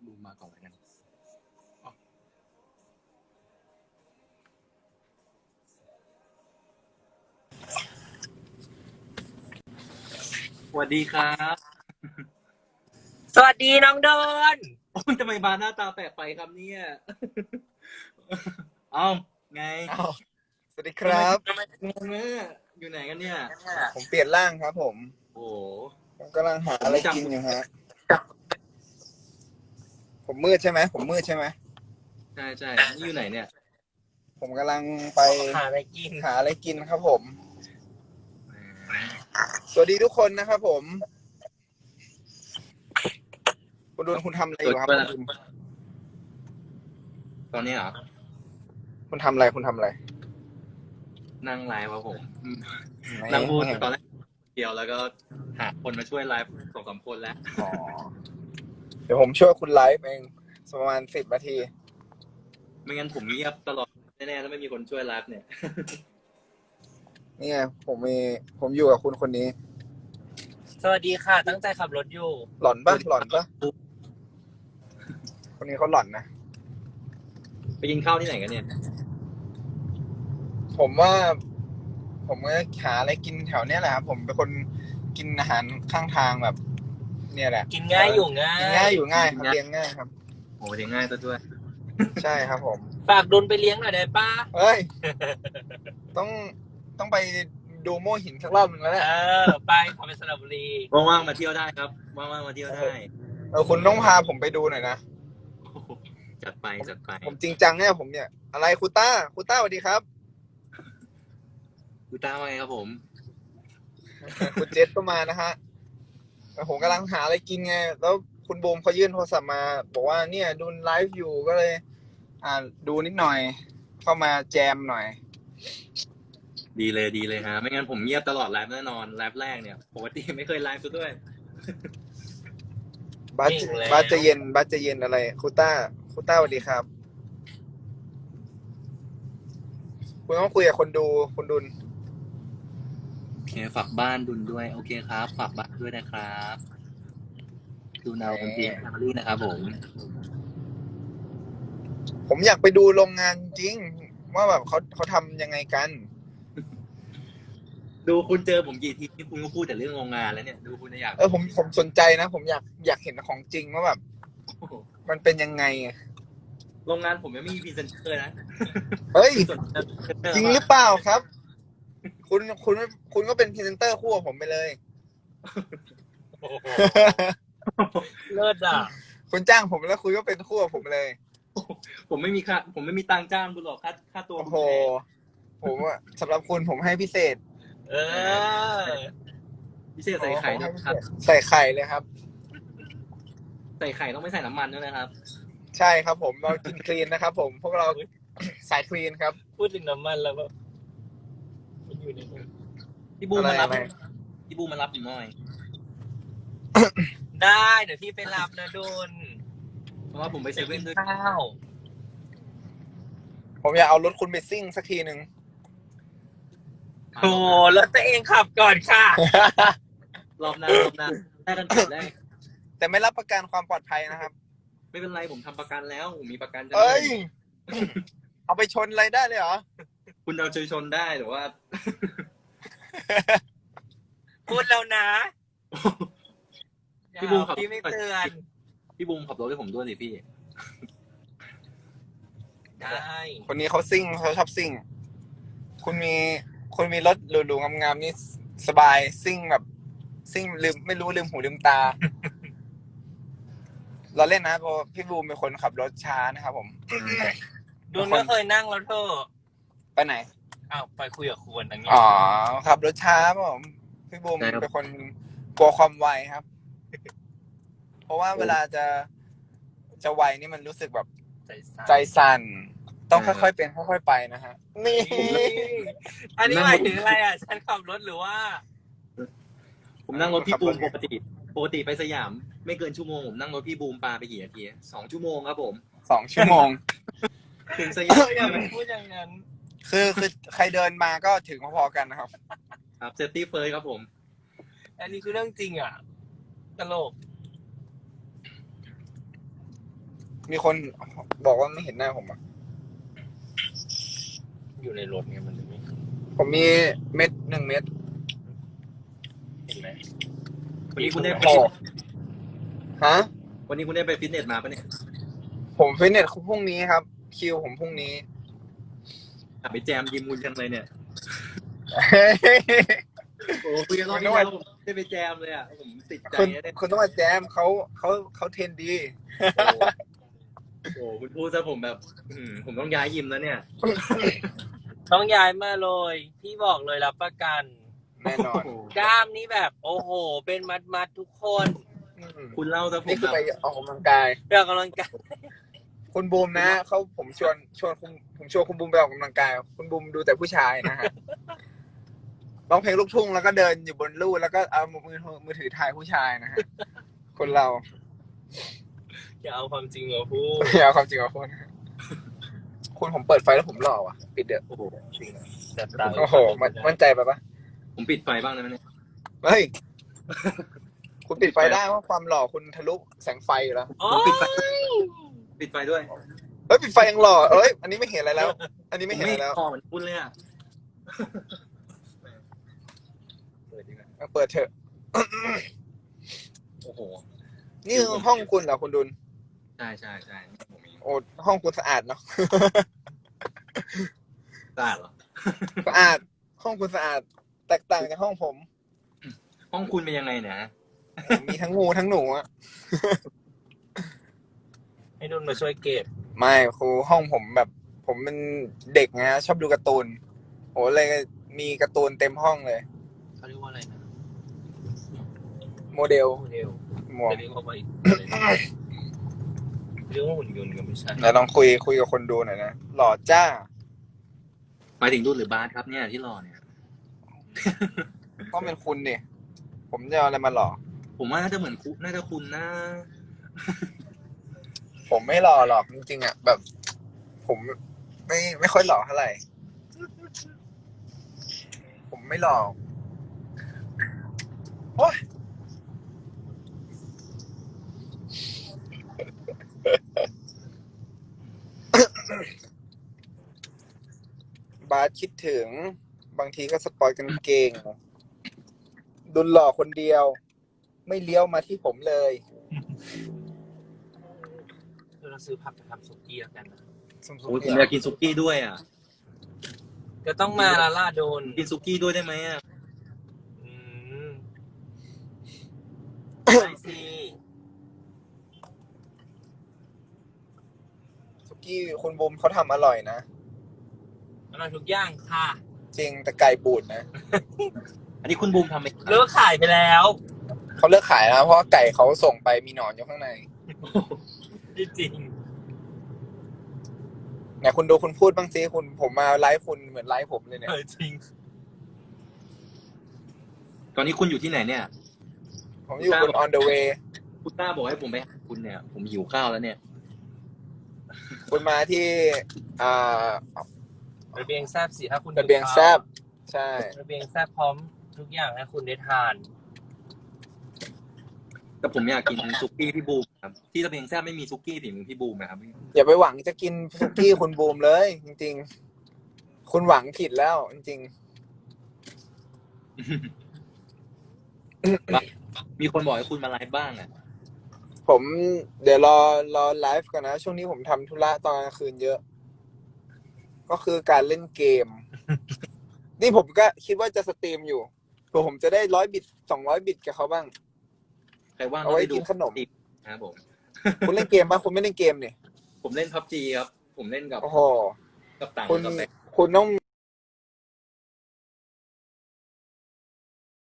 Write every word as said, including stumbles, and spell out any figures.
บูมมาก่อนแล้วกันสวัสดีครับสวัสดีน้องโดนโอ้ยทำไมบาร์หน้าตาแปลกไปครับเนี่ยเอ้าไงอ้าวสวัสดีครับทำไมงงเนี่ยอยู่ไหนกันเนี่ยผมเปลี่ยนร่างครับผมโอ้ผมกำลังหาอะไรกินอยู่ฮะ ผมมืดใช่ไหม ผมมืดใช่ไหมใช่ใช่นี่อยู่ไหนเนี่ยผมกำลังไปหาอะไรกินหาอะไรกินครับผม สวัสดีทุกคนนะครับผม คุณดุลคุณทำอะไรอยู่ครับคุณดุลตอนนี้เหรอคุณทำอะไร คุณทำอะไรนั่งไลฟ์ครับผมไม่นั่งพูดไม่ตอนแรกเดียวแล้วก็หาคนมาช่วยไลฟ์สองสามคนแล้วอ๋อเดี๋ยวผมช่วยคุณไลฟ์เองประมาณสิบนาทีไม่งั้นผมเงียบตลอดแน่ๆถ้าไม่มีคนช่วยไลฟ์เนี่ยนี่ไงผมมี ผมอยู่กับคุณคนนี้สวัสดีค่ะ ตั้งใจขับรถอยู่หล่อนปะหล่อนปะคนนี้เขาหล่อนนะไปกินข้าวที่ไหนกันเนี่ยผมว่า ผมก็หาอะไรกินแถวเนี้ยแหละครับผมเป็นคนกินอาหารข้างทางแบบ เนี่ยแหละกินง่ายอยู่ง่ายกินง่ายอยู่ง่ายครับเลี้ยงง่ายครับโอ้เลี้ยงง่ายซะด้วยใช่ครับผมฝากดุนไปเลี้ยงหน่อยได้ป้าเฮ้ย ต้องต้องไปดูโม่หินสักรอบหนึ่งแล้วแหละเออ ไปขับไปสระบุรีว่างๆมาเที่ยวได้ครับ ว่างๆมาเที่ยวได้เออคุณต้องพาผมไปดูหน่อยนะจัดไปจัดไปผมจริงจังเนี่ยผมเนี่ย อะไรครูต้าครูต้าสวัสดีครับดูตามมาไงครับผมคุณเจษก็มานะฮะแล้วผมกำลังหาอะไรกินไง แล้วคุณบูมเขายื่นโทรศัพท์มา บอกว่าเนี่ยดูไลฟ์อยู่ก็เลย อ่าดูนิดหน่อย เข้ามาแจมหน่อยดีเลยดีเลยฮะไม่งั้นผมเงียบตลอดไลฟ์แน่นอนไลฟ์แรกเนี่ยปกติไม่เคยไลฟ์ซะด้วยบัสจริงแล้วบัสจะเย็นบัสจะเย็นอะไรครูต้าครูต้าสวัสดีครับ คุณต้องคุยกับคนดูคุณดุลโอเคฝากบ้านดุนด้วยโอเคครับฝากบ้านด้วยนะครับดูนาวคนเพียงแฟมิลี่นะครับผมผมอยากไปดูโรงงานจริง ว่าแบบเขาเขาทำยังไงกันดูคุณเจอผมกี่ทีที่คุณก็พูดแต่เรื่องโรงงานแล้วเนี่ยดูคุณอยากเออผมผมสนใจนะ ผมอยากอยากเห็นของจริงว่าแบบ มันเป็นยังไงอะโรงงานผมยังไม่มีพรีเซนเตอร์นะเฮ้ยสนใจพรีเซนเตอจริงหรือเปล่าครับ คุณคุณคุณก็เป็นพรีเซนเตอร์คู่กับผมไปเลยโอ้โหเลิศอ่ะคุณจ้างผมแล้วคุณก็เป็นคู่กับผมเลยผมไม่มีค่าผมไม่มีตังค์จ้างคุณหรอกค่าค่าตัวโอ้คุณโหแพงผมอะสำหรับคุณผมให้พิเศษเออพิเศษใส่ไข่ด้วยครับใส่ไข่เลยครับใส่ไข่ต้องไม่ใส่น้ำมันด้วยนะครับใช่ครับผมเรากินคลีนนะครับ ผมพวกเราสายคลีนครับพูดถึงน้ำมันแล้วแบบมันอยู่ในนี้พี่บูมมารับอะไรพี่บูมมารับผมหน่อยได้เดี๋ยวพี่ไปรับนะดุนเพราะว่าผมไปเซเว่นด้วยข้าวผมอยากเอารถคุณไปซิ่งสักทีหนึ่งโอ้แล้วตัวเองขับก่อนค่ะรอบหน้ารอบหน้าได้กันก่อนได้แต่ไม่รับประกันความปลอดภัยนะครับไม่เป็นไรผมทำประกันแล้วผมมีประกันจะเอ้ย เอาไปชนอะไรได้เลยเหรอคุณเอาใจชนได้แต่ว่าพูดแล้วนะพี่บูมขับพี่ไม่เตือนพี่บูมขับรถให้ผมด้วยสิพี่ได้คนนี้เขาซิ่งเขาชอบซิ่ง คุณมีคุณมีรถหรูๆงามๆนี่สบายซิ่งแบบซิ่งลืมไม่รู้ลืมหูลืมตา เราเล่นนะเพราะพี่บูมเป็นคนขับรถช้านะครับผมดุนก็เคยนั่งแล้วเธอไปไหนอ้าวไปคุยกับควรอันนี้อ๋อขับรถช้าครับผมพี่บูมใช่ครับเป็นคนกลัวความไวครับ เพราะว่าเวลาจะจะไวนี่มันรู้สึกแบบใจสั่นใจสั่น ต้องค่อยๆเป็นค่อยๆไปนะฮะ นี่อันนี้หมายถึงอะไรอ่ะ ฉันขับรถหรือว่าผมนั่งรถพี่บูมปกติปกติไปสยาม ไม่เกินชั่วโมงผมนั่งรถพี่บูมปาไปกี่นาทีสองชั่วโมงครับผมสองชั่วโมงถึงสยามอย่าไปพูดอย่างนั้นคือคือใครเดินมาก็ถึงพอๆกันนะครับครับเซฟตี้เฟิร์สครับผมอันนี้คือเรื่องจริงอ่ะ ตลกมีคนบอกว่าไม่เห็นหน้าผมอ่ะอยู่ในรถไงมันถึงไม่เห็นผมมีเม็ดหนึ่งเม็ดเห็นไหมวันนี้คุณได้ไปโอ้ฮะวันนี้คุณได้ไปฟิตเนสมาปะเนี่ยผมฟิตเนสพรุ่งนี้ครับ คิวผมพรุ่งนี้อ่ะไปแจมยิมคุณจังเลยเนี่ย โอ้คุยกันรอบคุณที่ต้องแล้วมาผมไม่ได้ไปแจมเลยอ่ะผมติดใจคุณเนี่ยคุณต้องมาแจมเขาเขาเขาเทรนดีโอ้โหคุณพูดซะผมแบบอืมผมต้องย้ายยิมแล้วเนี่ยต้องย้ายมาเลยพี่บอกเลยรับประกันแน่นอนกล้ามนี่แบบโอ้โห เป็นมัดมัดๆทุกคนอืมคุณเล่าซะผมนี่คือแบบไปออกกำลังกายเรื่องกำลังกายคุณบูมนะเขาผมชวนชวนคุณผมชวนคุณบูมไปออกกำลังกาย คุณบูมดูแต่ผู้ชายนะฮะร้องเพลงลูกทุ่งแล้วก็เดินอยู่บนลู่แล้วก็เอามือมือถือถ่ายผู้ชายนะฮะคนเราอย่าเอาความจริงมาพูดอย่าเอาความจริงมาพูดนะฮะคุณผมเปิดไฟแล้วผมหล่อว่ะ ปิดเด้อโอ้โหจริงอะแต่ตาโอ้โหมันมั่นใจไปปะผมปิดไฟบ้างได้ไหมเนี่ยเฮ้ยคุณปิดไฟได้เพราะความหล่อคุณทะลุแสงไฟอยู่แล้วโอ้ผมปิดไฟยปิดไฟด้วยเฮ้ยปิดไฟยังหล่อเอ้ยอันนี้ไม่เห็นอะไรแล้ว อันนี้ไม่เห็นอะไรแล้วคอเหมือนคุณเลยอ่ะเปิดดีกว่าเอาเปิดเถอะโอ้โหนี่คือห้องคุณเหรอคุณดุลใช่ใช่ใช่ผมมีโอ้ห้องคุณสะอาดเนาะสะอาดเหรอสะอาดห้องคุณสะอาด แตกต่างจากห้องผมห้องคุณเป็นยังไงเนี่ยฮะผมมีทั้งงูทั้งหนูอะให้นุ่นมาช่วยเก็บไม่ครูห้องผมแบบ ผมเป็นเด็กไงชอบดูการ์ตูนโอ้เลยมีการ์ตูนเต็มห้องเลยเขาเรียกว่าอะไรนะโมเดลโมเดลหมวกจะเรียกว่าอีกอะไรนะเรียกว่าหุ่นยนต์ก็ไม่ใช่ไหนลองคุยคุยกับคนดูหน่อยนะหล่อจ้าหมายถึงรุ่นหรือบาสครับเนี่ยที่รอเนี่ยต้องเป็นคุณเนี่ยผมจะเอาอะไรมาหล่อผมว่าน่าจะเหมือนคุณน่าจะคุณนะผมไม่หล่อหรอกจริงๆอ่ะแบบ ผมไม่ไม่ค่อยหล่อเท่าไหร่ ผมไม่หล่อโอ๊ยบาสคิดถึง บางทีก็สปอยกันเก่งดุลหล่อคนเดียว ไม่เลี้ยวมาที่ผมเลยเราซื้อผักไปทำสุกี้แล้วกันนะสมโอ้ยผมอยากกินซุกี้ด้วยอ่ะก็ต้องมาละล่าโดนกินซุกี้ด้วยได้ไหมอ่ะอืมได้สิสุกี้คุณบุมเขาทำอร่อยนะอร่อยทุกอย่างค่ะจริงแต่ไก่บูดนะอันนี้คุณบูมทำไหมครับเลิกขายไปแล้วเขาเลิกขายแล้วเพราะว่าไก่เขาส่งไปมีหนอนอยู่ข้างในจริงไหนคุณดูคุณพูดบ้างสิคุณผมมาไลฟ์คุณเหมือนไลฟ์ผมเลยเนี่ยเออจริงตอนนี้คุณอยู่ที่ไหนเนี่ยผมอยู่บน on the way คุณต้าบอกให้ผมไปหาคุณเนี่ย ผมหิวข้าวแล้วเนี่ยคุณมาที่อ่าระเบียงแซบสิถ้าคุณระเบียงแซบใช่ระเบียงแซบพร้อมทุกอย่างให้คุณได้ทานแต่ผมอยากกินซุกี้พี่บูมครับที่ระเบียงแซ่บไม่มีซุกี้ฝีมือพี่บูมนะครับอย่าไปหวังจะกินสุกี้คุณบูมเลย จริงๆ คุณหวังผิดแล้วจริงมีคนบอกให้คุณมาไลฟ์บ้างอ่ะๆ ผมเดี๋ยวรอรอไลฟ์กันนะ ช่วงนี้ผมทำธุระตอนกลางคืนเยอะ ก็คือการเล่นเกม นี่ผมก็คิดว่าจะสตรีมอยู่เผื่อผมจะได้ร้อยบิตสองร้อยบิตกับเขาบ้างใครว่างเอาก็ไว้ไปดูกินขนมนะครับผมคุณเล่นเกมปะคุณไม่เล่นเกมเนี่ยผมเล่นพับจีครับ ผมเล่นกับโอ้โหกับต่างคุณกับแบคุณต้อง